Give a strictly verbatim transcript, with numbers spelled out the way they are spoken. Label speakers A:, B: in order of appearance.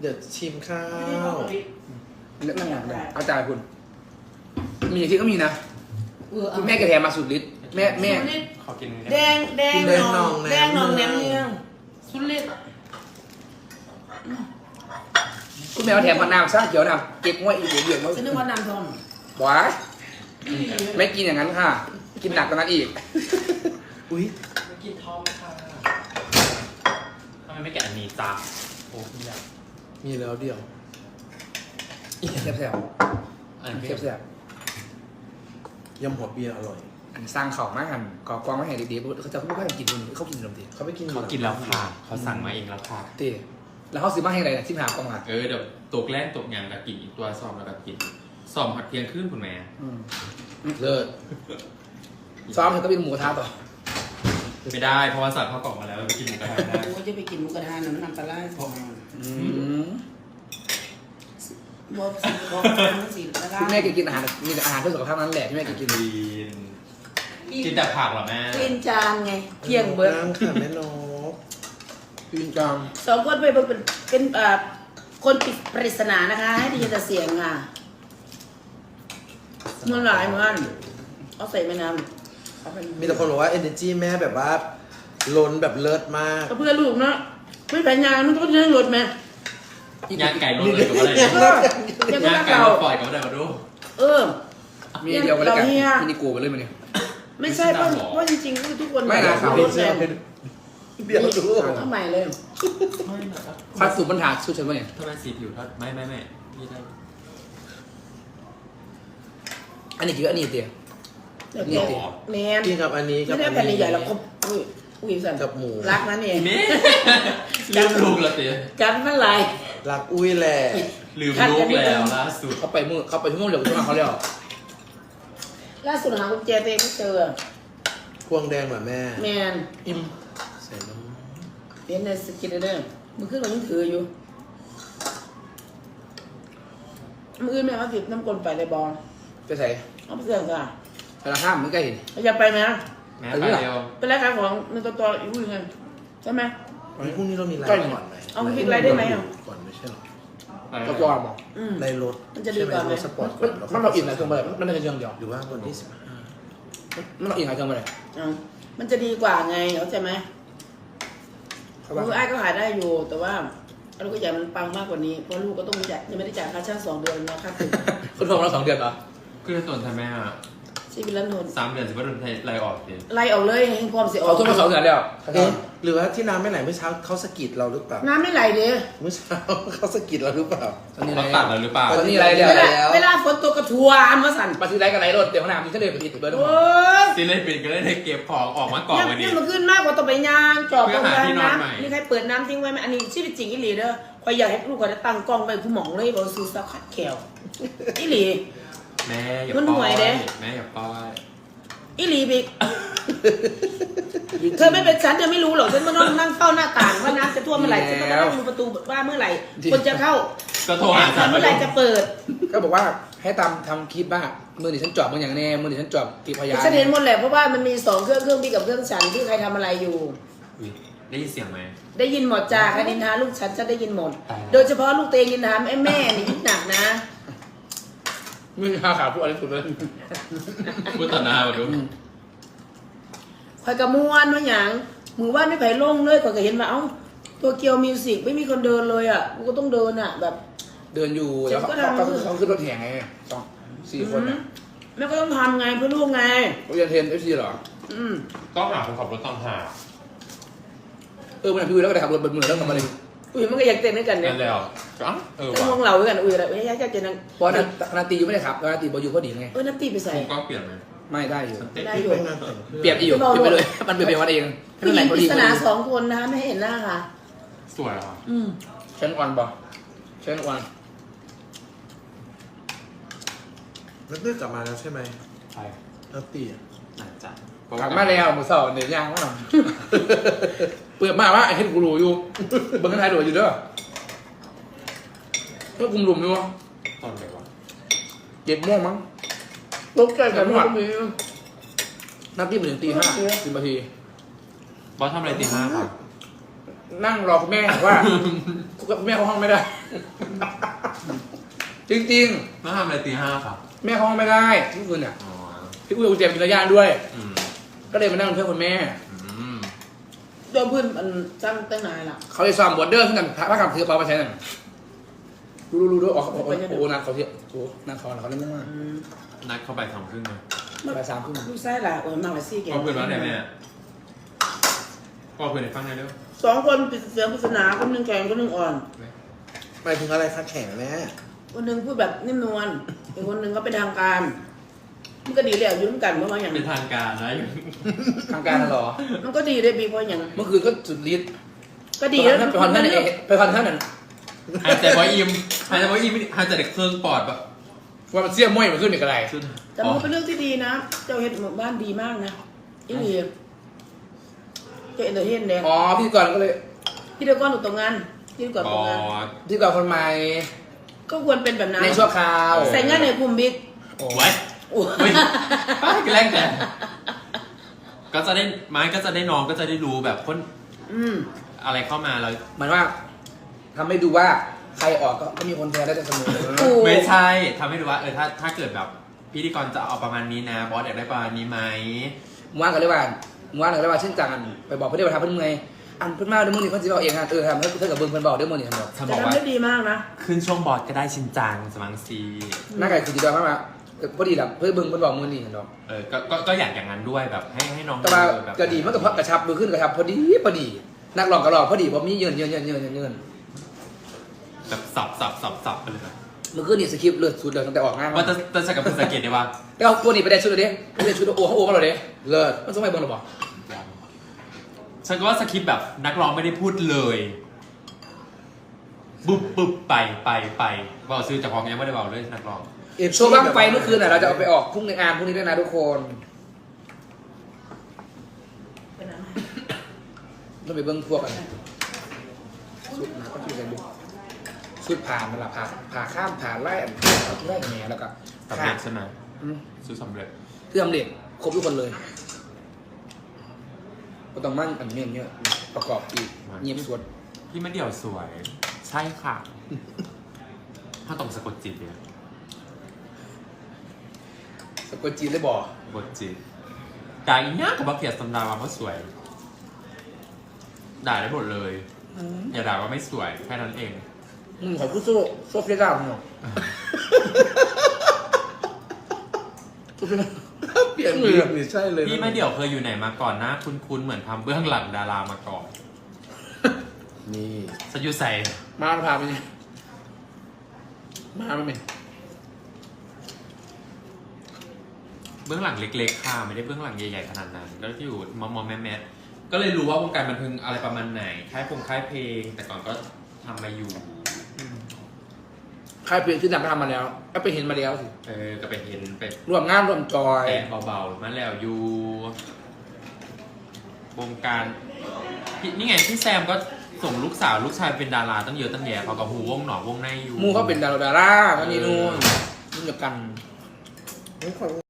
A: ดี๋ยวชิมข้าว
B: เรื่องงานได้เอาใจคุณมีอย่างที่ก็มีนะคุณแม่แกแถมมาสุดฤทธิ์แม่แม่
C: ขอกิน
D: แดงแดงนองแดงนองแหนมเนืองสุดฤทธิ์
B: คุณแม่แถมผัดน้ำซะเขียวน้ำเก็บไว้อีกเดี๋ยวมา
D: ฉันนึกว่านำทอง
B: บ้าไม่กินอย่างนั้นค่ะ กินหนักกว่านั้นอีก
A: อุ้ย
C: ไม่กินท้องค่ะทำไมไม่แกะอันนี้จ้าโอ้ยอยาก
A: มีแล้วเดียว
B: แซ่บแซ่บ
C: อันนี้
B: แซ่บแซ่บ
A: ยำหัวเบียร์อร่อย
B: อันสร้างเข่ามากกันก่อกองไม่ให้ดีๆเขาจะเขาไม่ให้กินคนเขากินขนมตี
A: เขาไปกิน
C: เขากินแล้วค่ะเขาสั่งมาเองแล้วค่ะ
B: เต้แล้วเขาซื้อมาให้อะไรนะที่หากองอ่ะ
C: เออเดี๋ยวตกแรกตกอย่างกับกินอีกตัวซ้อมแล้วกับกินซ้อมหัดเพียงขึ้นคุณแม่
A: เลิศ
B: ซ้อมเธอก็เป็นหมูกระทะต่อ
C: ไม่ได้เพราะว่าสั่งข้าวกล่องมาแล้วไปกินหมูกระทะได้
D: โอ้จะไปกินหมูกระทะน้ำน้ำปลาไหลพอ
B: อืม
D: บอกสิบอกทั้งสิแล้วก็
B: คุณแม่แกกินอาหารมีแต่อาหารเพื่อสุขภาพนั้นแหละที่แม่แกกิน
C: กินกินแต่ผักเหรอแม่
D: กินจานไงเที่ยงเบิร์ด
A: นั่งค่ะแม่นก
B: กินจาม
D: สองคนไปเป็นเป็นเอ่อคนปิดปริศนานะคะ ให้ได้ยินแต่เสียงค่ะมันหลายเหมือนกันเอาใส่แม่น้ำเอาไป
A: มีแต่คนบอกว่า energy แม่แบบว่าล้นแบบเลิศมาก
D: เพื่อลูกเนาะไม่แผนงานมันต้องเรื่องรถไหม
C: ย่างไก่รสเลยกับอะไร
D: เออเดี๋ยวก็
C: ย่างไก่
D: เก่าร
C: สปล่อยกับอะไรมาดู
D: เออ
B: มีเดียวกันแล้วกัน
D: เราเฮีย
B: ที่นี่กูไปเลยมันเนี่ย
D: ไม่ใช่เพราะเพราะจริงๆก็คือทุกคน
B: ไม่นะ
D: ขับรถแรง
A: เดี๋ยวดู
D: ทำไมเลย
C: ไม่นะครับ
B: ฟาสต์ฟู้ดปัญหาสุดฉันวะเนี่ย
C: ทำไมสีผิวทอดไม่ไม่ไม่พี่ได้
B: อันนี้คืออันนี้เตีย
D: เดี๋ยวแกแมน
A: กินกับอันนี้กั
D: ไม่
A: บ
D: ได้
A: อัน
D: แผ่น
A: นี้
D: ใหญ่ๆแล้วก็อุ้ยอุ้ยสัน
A: กับหมู
D: รักนั่นเอง
C: นี่ลืมลูกแล้วเตี๋ย
D: กันเมื่อไหร่
A: รักอุ้ยแหละ
C: ลืมลูกแล้วล่าสุด
B: เขาไปมือเขาไปชั่วโมงเดียวกับชั่วโมงเขาแล้ว
D: ล่าสุดหากุญแจตัวเองไม่เจอ
A: พวงแดงเหรอแม่
D: แมน
A: อิ่มใส่น้
D: เห็นในสกินเดอร์มือขึ้นมันยังถืออยู่มืออื่นแม่มาติดน้ำกลนไปในบอล
B: ไปใส่
D: เอาไปเสื่อมค่ะ
B: แต่ละห้ามไม่ใกล้เห็น
D: อยากไปไหม
C: แม่ไปเดียว
D: เป็นรายการของมันตัวตัวอีกอุ้ยไงใช่ไหม
A: ำวันนี้พรุ่งนี้เรามีไลฟ์ก่อนไหม
D: เอาคลิปไลฟ์ได้ไหมอ่ะ
A: ก่อนไม่ใช่หรอ
B: ก็กลัวมอง
D: อืม
A: ในรถ
D: มันจะดีกว่าไหม
A: ใช่รถสปอร์ตก่
B: มั
A: อน นแล้ว
B: มันเราอิ่มหลายเครื่องไปเลยมันไม่ใช่เครื่องเดียว
A: หรือว่าวันที่สิบห้า
B: มันเราอิ่มหลายเครื่องไปเลย
D: เอามันจะดีกว่าไงเข้าใจไหม
B: เขา
D: มือ
B: ว่า
D: ไอ้ายก็หายได้อยู่ แต่ว่าลูกก็อยากมันปังมากกว่านี้ เพราะลูกก็ต้องจ่ายยังไม่ได้จ่ายค่าช่างสองเดือนนะค่าตึก
B: คุณโทรมาเราสองเดือนเหรอ
C: คือส่วนทำแม่อะ
D: ชีวิตละนน
C: สามเดือนสิบว่าโดนไล่ออกเตี๋ย
D: ไล่ออกเลยให้ความเสียออ
B: เขา
D: ก
B: โทรมาสองเดือนแล้ว
A: เอ๊ะหรือว่าที่น้ำไม่ไหลเมื่อเช้าเขาสะกิดเราหรือเปล่า
D: น้ำไม่ไหลเด้
A: เมื่อเช้าเขาสะกิดเราหรือเปล่า
B: ตอนนี้
C: เขา
B: ไร
C: ตัดแล้วหรือเปล่า
B: ตอนนี้ไรเดียว
D: เวลา
A: แล้ว
D: เวลาฝนตกกระทัวอันมาสั่น
B: ปฏิไรกับไรรถเดี๋ยวขนาดนี้ฉันเลยไปติดเบอร์
D: โอ้ย
C: ซีเล่นเป็นก็ได้เก็บของออกมาก่อน
D: เนี่ย
C: วัน
D: เนี่
C: นี้
D: ยมันขึ้นมากกว่าต่อไปยางจอบ
C: เพื่
D: ตร
C: อง หา
D: นั้
C: ที่
D: น
C: นอน
D: นะ
C: ใหม่
D: นี่ใครเปิดน้ำทิ้งไว้ไหมอันนี้ชีวิตจริงอีหลีเด้อคอยอยากให้ลูกเขาได้ตั้งกล้องไปคุณหมองเลยบอกซื้อซักขัดแขวอีหลี
C: แม่อย่า
D: มัน
C: ป้
D: ห่
C: อ
D: วย
C: ย
D: เด้
C: แม่อย่าป้อย
D: อีหลีบิ๊ก เธอไม่เป็นฉันเธอไม่รู้หรอกฉันมานั่งนั่งเฝ้าหน้าต่างว่าน้ำจะท่วมเมื่อไหร่ฉันก็มานั่งดูประตูว่าเมื่อไหร่คนจะเข้า
C: ก็โทรหา
D: แอ
C: ฉัน
D: ปเมื่อไหร่จะเปิด
B: ก็บอกว่าให้ตามทำคลิปบ้างมือดิฉันจอบมืออย่างแน่มือดิฉันจอบตีพยาน
D: ฉันเห็นหมดแหละเพราะว่ามันมีสองเครื่องเครื่องพี่กับเครื่องฉันที่ใครทำอะไรอยู่
C: อุ๊ยได้ยินเสียงไหม
D: ได้ยินหมดจ้าใครนินทาลูกฉันฉันได้ยินหมด
C: อ๋อ
D: โดยเฉพาะลูกเตงนินทาแม่แม่นี่ยิ่งหนักนะ
B: มือหาขาผู้อะไรสุดเลย
C: พูดต่อหน้ามาดู
D: คอยกระมวนว่าอย่างมือว่าไม่ไผ่ลงเลยคอยก็เห็นมาเอ้าตัวเกียวมิวสิกไม่มีคนเดินเลยอ่ะกูก็ต้องเดินอ่ะแบบ
B: เดินอยู่แล้วเขาเขาเขาขึ้นรถแห่ไงสองสี่คนอ่ะ
D: แม่ก็ต้องทำไงเพื่อลูกไง
B: เขาเรียนเทรนเอฟซีหรอ
D: อืม
C: ต้องหาคนขับรถต้องหา
B: เออมันพี่วิวแล้วก็ได้ขับรถบนมือแล้วกลับมาเลย
D: อุ้ยมันก็อยากเต้นด้วยกันเนี่ย
C: นั่นแล้วอ๋อเออ
D: จะ
C: ว่ะ
D: มองเราด้วยกันอุ้ยอะไรไม่ยากจะนั่ง
B: เพราะนาตีอยู่ไม่ได้ขับนาตีบออยู่พอดีไง
D: เออนัตตี้ไปใส่
C: คงกล้องเปลี่ยนไหม
B: ไม่ได้อยู่
C: เต้น
D: ได้
A: ที่
D: อยู่
A: ไปงานแต่งเพื่อน
B: เปลี่ยนอยู่เปลี่ยนไปเลยมันเปลี่ยนไปวันเอง
D: ผู้หญิง
B: พอ
D: ป
B: ดี
D: ริศ
B: พอ
D: นา
B: ดี
D: สองคนนะคะไม่ให้เห็นหน้าค่ะ
C: สวยอ่ะ
D: อืม
B: เชนวันบอเชนวัน
A: แล้วเต้ยกลับมาแล้วใช่ไหม
C: ใช่
A: แล้วตีอ่ะ
C: น่าจะ
B: กลับมาแล้วมือเสาร์เดี๋ยวยางว่าเปิดมาว่าไอ้เห็นกูรู้อยู่เบิ้งกันไทยรู้อยู่เด้อเพื่อคุมหลุมอยู่
C: ตอนไหนวะ
B: เจ็ดโมงมั้ง
D: ตกใจกันหมด
B: นัดที่มาถึงตีห้าสิบนาที
C: บอสทำอะไรตีห้าครับ
B: นั่งรอคุณแม่ว่าแม่เข้าห้องไม่ได้ จริง
C: แล้วทำอะไรตีห้าครับ
B: ๆ แม่เข้าห้องไม่ได้ทุกคืนเนี่ย
C: อ๋อ
B: พี่อุ้ยเอากุญแจเป็นระยะด้วย
C: อืม
B: ก็เลยมานั่งเป็นเพื่อนคุณแม่
C: อืม
D: ตัวเพื่อนมันสร้างตั้งนานละ
B: เขาเลยซ้อมบอร์เดอร์ขึ้นกันพระคำถือเปล่าไปใช้นั่นดูดูดูดูออกโอ้โหโอ้โหนักเขาเที่ยวโอ้โหนักเขาเขาเล่นมาก
D: อืม
C: นัดเข้าไปสองครึ่งเลย
B: ไปสามครึ่ง
D: ลูกไส้ละโอ้ยมากกว่าซี่แก
C: พ่อเพื่อนว่าไงแม่พ่อเพื่อนในฟังได้เร็ว
D: สองคนปิดเสียงปริศนาคนหนึ่งแข็งคนหนึ่งอ่อน
A: หมายถึงอะไรคะแข็งแม่
D: คนหนึ่งพูดแบบนิ่มนวลอีกคนหนึ่งก็เป็นทางการ มันก็ดีเลยอ่ะยุ่งกันเพราะว่าอย่าง
C: เป็นทางการนะ
B: ทางการน่ะเหรอ
D: มันก็ดีเลยบีเพราะอย่าง
B: เมื่อคืนก็สุดฤทธิ์
D: ก็ดีแล้ว
B: ไปคอนท่านเองไปคอนท่านนั่น
C: หายใจว่าอิ่มหายใจว่าอิ่มหายใจเด็กเครื่องปอดแบบ
B: ว่ามันเสี้ยมม้วยมันขึ้นอีกอะไร
C: ขึ้น
D: แต่มันก็เป็นเรื่องที่ดีนะ เจ้าเฮ็ดหมู่บ้านดีมากนะอีหลีเจ้าเอ็นเตอร์เทนเนี่ย
B: อ๋อพี่ก่อนก็เลย
D: พี่เดียวก้อนถูกตรงงานพี่เดียวก่อน
C: ป
D: ตรงงาน
C: อด
B: พี่ก่อนคนใหม่
D: ก็ควรเป็นแบบนั้น
B: ในชั่วคราว
D: ใส่งานในกลุ่มบิ๊ก
B: โอ้
C: ไว้
D: โอ้
C: เฮ้ยป้าแกล้งแต่ก็จะได้ไม้ก็จะได้น้องก็จะได้รู้แบบคน
D: อืม
C: อะไรเข้ามาเรา
B: เหมือนว่าทำให้ดูว่าใครออกก็ก็มีคนแพ้ได้เสมอ
D: ถูก
C: ไม่ใช่ทำให้ดูว่าเออถ้าถ้าเกิดแบบพิธีกรจะเอาประมาณนี้นะบอสอยากได้ประมาณนี้ไหม
B: ว่างกันเลยว่าว่างกันเลยว่าเช่นจังกันไปบอกเพื่อนว่าทำเพื่อนเมื่อยอันเพื่อนมาเดี๋ยวมึงนี่เขาจะเอาเองฮะเออทำให้เพื่อนกับเบิ้งเพื่อนบอกเดี๋ยวมึงนี่ทำบอก
C: ถ้าบ
D: จะ
C: อกว่า
D: ทำได้ดีมากนะ
C: ขึ้นช่วงบอสก็ได้ชินจังสมังซี
B: หน้าไก่คือจีดอยมากๆพอดีแหละเพื่อนเบิ้งเพื่อนบอกมึงนี่เห็นหรอ
C: เออก็ก็ก็อยากอย่างนั้นด้วยแบบให้ให้น้อง
B: แต่ว่า
C: ดูแบบ
B: จะดีมันก็เพราะกระชับมือขึ้นกระชับพอดีพอดีนักร้องก็ร้องพอดีพอมีเยินเยินเยินเยินเยิน
C: แบบสับสับสับสับไปเลยนะ
B: มือขึ้นนี่สคริปต์เลือดสุดเลยตั้งแต่ออกงาน
C: ว่าจะจะใช้กับคุณสังเกตได้ว่า
B: แล้วตัวนี้ไปได้ชุดเลยดิไปได้ชุดโอ้เขาโอ้มาเลยดิเลิศมันต้องไปบนหรอบอก
C: ฉันก็ว่าสคริปต์แบบนักร้องไม่ได้พูดเลยปุ๊บปุ๊บไปไปไปบอกซื้อจากของยังไม่ได้บอกเลยนักร้อง
B: โชว์บ้างไฟเมื่อคืนน่ะเราจะเอาไปออกพรุ่งในงานพรุ่งนี้ด้วยนะทุกคนต้องไปเบิ้งพวกกันสุดนะก็คือกันดูสุดผ่านมันละผ่าผ่าข้ามผ่านไล่ไล่แหนแล้วก็
C: สำเร็จใช่ไหม
B: อืม
C: ซื้อสำเร็จ
B: คือสำเร็จครบทุกคนเลยก็ต้องมั่งอันเนี้ยเนี้ยประกอบอีกเงียบสวด
C: พี่มะเดี่ยวสวย ใช่ค่ะ ถ้าต้องสะกดจิตเนี่ย
B: สะกดจีนเลยบอก
C: สะกดจิตด่าอีกเนี้ยกับบักเขียดสันดาว่าเขาสวย ด่าได้หมดเลย อย่าด่าว่าไม่สวยแค่นั้นเอง
B: มึงขอพูดโซ่โซ่เฟรด้ามึงหรอเปลี่ยน
A: เปลี่ยนนี่ใช่เลย
C: พี่มะเดี่ยวเคยอยู่ไหนมาก่อนนะคุ้นๆเหมือนทำเบื้องหลังดารามาก่อน
A: นี่
C: สยูใส่
B: มาพาไปนี่มาไม่เป็น
C: เบื้องหลังเล็กๆค่ะไม่ได้เบื้องหลังใหญ่ๆขนาดนั้นก็ที่อยู่มอมอแม่แม่ๆก็เลยรู้ว่าวงการบันเทิงอะไรประมาณไหนค่ายพงค่ายเพลง แต่ก่อนก็ทำมาอยู่
B: ใครเปลี่ยนชื่อดังก็ทำมาแล้วก็ไปเห็นมาแล้วสิ
C: เออก็ไปเห็นไป
B: รวมงานรวมจอย
C: แตะเบาๆมาแล้วอยู่วงการพี่นี่ไงพี่แซมก็ส่งลูกสาวลูกชายเป็นดาราตั้งเยอะตั้งแยะเขากับหูวงหนอวงในอยู่
B: มูเขาเป็นดาราดาราวันนี้นู่นนี่เดียวกัน
A: ไม่ขอ